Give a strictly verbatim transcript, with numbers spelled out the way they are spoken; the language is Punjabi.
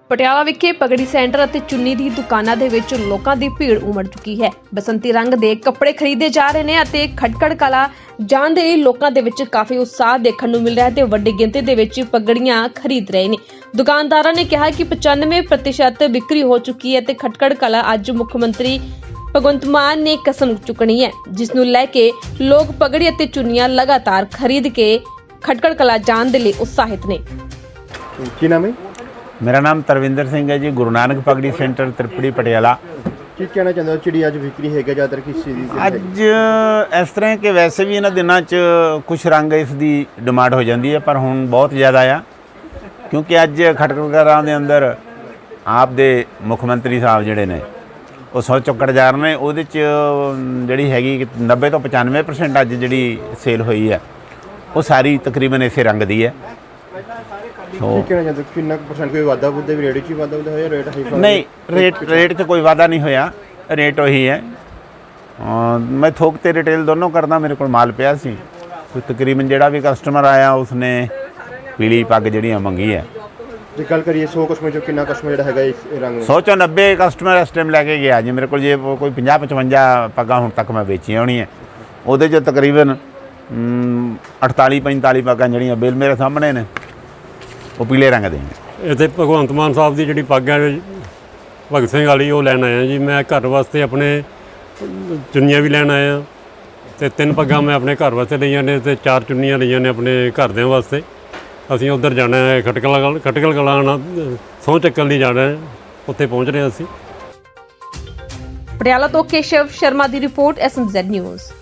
ਪਟਿਆਲਾ ਵਿਖੇ ਪਗੜੀ ਸੈਂਟਰ ਅਤੇ ਚੁੰਨੀ ਦੀ ਦੁਕਾਨਾਂ ਦੇ ਵਿੱਚ ਲੋਕਾਂ ਦੀ ਭੀੜ ਉਮੜ ਚੁੱਕੀ ਹੈ। ਬਸੰਤੀ ਰੰਗ ਦੇ ਕੱਪੜੇ ਖਰੀਦੇ ਜਾ ਰਹੇ ਨੇ ਅਤੇ ਖਟਕੜ ਕਲਾ ਜਾਣ ਦੇ ਲਈ ਲੋਕਾਂ ਦੇ ਵਿੱਚ ਕਾਫੀ ਉਤਸ਼ਾਹ ਦੇਖਣ ਨੂੰ ਮਿਲ ਰਿਹਾ ਹੈ ਤੇ ਵੱਡੀ ਗਿਣਤੀ ਦੇ ਵਿੱਚ ਪਗੜੀਆਂ ਖਰੀਦ ਰਹੇ ਨੇ। ਦੁਕਾਨਦਾਰਾਂ ਨੇ ਕਿਹਾ ਕਿ ਪਚਾਨਵੇਂ ਪ੍ਰਤੀਸ਼ਤ ਵਿਕਰੀ ਹੋ ਚੁੱਕੀ ਹੈ ਤੇ ਖਟਕੜ ਕਲਾ ਅੱਜ ਮੁੱਖ ਮੰਤਰੀ ਭਗਵੰਤ ਮਾਨ ਨੇ ਕਸਮ ਚੁੱਕਣੀ ਹੈ, ਜਿਸ ਨੂੰ ਲੈ ਕੇ ਲੋਕ ਪਗੜੀ ਅਤੇ ਚੁੰਨੀਆਂ ਲਗਾਤਾਰ ਖਰੀਦ ਕੇ ਖਟਕੜ ਕਲਾ ਜਾਣ ਦੇ ਲਈ ਉਤਸ਼ਾਹਿਤ ਨੇ। ਕੀ ਨਾਮ ਹੈ? मेरा नाम तरविंदर सिंह है जी। गुरु नानक पगड़ी सेंटर त्रिपड़ी पटियाला। ਕੀ ਕਹਿਣਾ ਚਾਹੁੰਦੇ ਹੋ? ਚਿੜੀ ਅੱਜ ਵਿਕਰੀ ਹੈਗਾ ਜ਼ਿਆਦਾਤਰ ਕਿਸ ਚੀਜ਼ ਦੀ? ਅੱਜ ਇਸ ਤਰ੍ਹਾਂ ਕਿ ਵੈਸੇ ਵੀ ਇਹਨਾਂ ਦਿਨਾਂ 'ਚ ਕੁਛ ਰੰਗ ਇਸ ਦੀ ਡਿਮਾਂਡ ਹੋ ਜਾਂਦੀ ਹੈ, ਪਰ ਹੁਣ ਬਹੁਤ ਜ਼ਿਆਦਾ ਆ, ਕਿਉਂਕਿ ਅੱਜ ਖਟਕੜਾਂ ਦੇ ਅੰਦਰ ਆਪ ਦੇ ਮੁੱਖ ਮੰਤਰੀ ਸਾਹਿਬ ਜਿਹੜੇ ਨੇ ਉਹ ਸੌ ਚੁੱਕੜ ਜਾ ਰਹੇ ਨੇ। ਉਹਦੇ 'ਚ ਜਿਹੜੀ ਹੈਗੀ ਨੱਬੇ ਤੋਂ ਪਚਾਨਵੇਂ ਪਰਸੈਂਟ ਅੱਜ ਜਿਹੜੀ ਸੇਲ ਹੋਈ ਹੈ ਉਹ ਸਾਰੀ ਤਕਰੀਬਨ ਇਸੇ ਰੰਗ ਦੀ ਹੈ। ਕੀ ਕਹਿਣਾ ਚਾਹੁੰਦੇ ਕਿੰਨਾ ਪਰਸੈਂਟ ਕੋਈ ਵਾਧਾ ਬੁੱਧੇ ਵੀ ਰੇਟ 'ਚ ਹੀ ਵਾਧਾ ਬੁੱਧਾ ਹੋਇਆ? ਰੇਟ ਹਾਈ ਨਹੀਂ, ਰੇਟ ਰੇਟ 'ਚ ਕੋਈ ਵਾਧਾ ਨਹੀਂ ਹੋਇਆ, ਰੇਟ ਉਹੀ ਹੈ। ਮੈਂ ਥੋਕ ਤੇ ਰਿਟੇਲ ਦੋਨੋਂ ਕਰਦਾ। ਮੇਰੇ ਕੋਲ ਮਾਲ ਪਿਆ ਸੀ, ਕੋਈ ਤਕਰੀਬਨ ਜਿਹੜਾ ਵੀ ਕਸਟਮਰ ਆਇਆ ਉਸਨੇ ਪੀਲੀ ਪੱਗ ਜਿਹੜੀਆਂ ਮੰਗੀ ਹੈ। ਜੇ ਗੱਲ ਕਰੀਏ ਸੌ ਕਸਟਮਰ ਚੋਂ ਕਿੰਨਾ ਕਸਟਮਰ ਜਿਹੜਾ ਹੈਗਾ ਇਸ ਰੰਗ ਸੌ ਚੋਂ ਨੱਬੇ ਕਸਟਮਰ ਇਸ ਟਾਈਮ ਲੈ ਕੇ ਗਿਆ ਜੀ। ਮੇਰੇ ਕੋਲ ਜੇ ਕੋਈ ਪੰਜਾਹ ਪਚਵੰਜਾ ਪੱਗਾਂ ਹੁਣ ਤੱਕ ਮੈਂ ਵੇਚੀਆਂ ਹੋਣੀਆਂ, ਉਹਦੇ 'ਚ ਤਕਰੀਬਨ ਅਠਤਾਲੀ ਪੰਤਾਲੀ ਪੱਗਾਂ ਜਿਹੜੀਆਂ ਬਿੱਲ ਮੇਰੇ ਸਾਹਮਣੇ ਨੇ ਉਹ ਪੀਲੇ ਰੰਗ ਦੇ ਨੇ। ਇੱਥੇ ਭਗਵੰਤ ਮਾਨ ਸਾਹਿਬ ਦੀ ਜਿਹੜੀ ਪੱਗ ਹੈ ਭਗਤ ਸਿੰਘ ਵਾਲੀ ਉਹ ਲੈਣ ਆਇਆ ਜੀ। ਮੈਂ ਘਰ ਵਾਸਤੇ ਆਪਣੇ ਚੁੰਨੀਆਂ ਵੀ ਲੈਣ ਆਇਆ ਅਤੇ ਤਿੰਨ ਪੱਗਾਂ ਮੈਂ ਆਪਣੇ ਘਰ ਵਾਸਤੇ ਲਈਆਂ ਨੇ ਅਤੇ ਚਾਰ ਚੁੰਨੀਆਂ ਲਈਆਂ ਨੇ ਆਪਣੇ ਘਰਦਿਆਂ ਵਾਸਤੇ। ਅਸੀਂ ਉੱਧਰ ਜਾਣਾ ਹੈ ਖਟਕਲ ਖਟਕਲ ਕਲਾਂ ਸਹੁੰ ਚੱਕਣ ਲਈ ਜਾਣਾ ਹੈ, ਉੱਥੇ ਪਹੁੰਚ ਰਹੇ ਅਸੀਂ। ਪਟਿਆਲਾ ਤੋਂ ਕੇਸ਼ਵ ਸ਼ਰਮਾ ਦੀ report, S M Z news.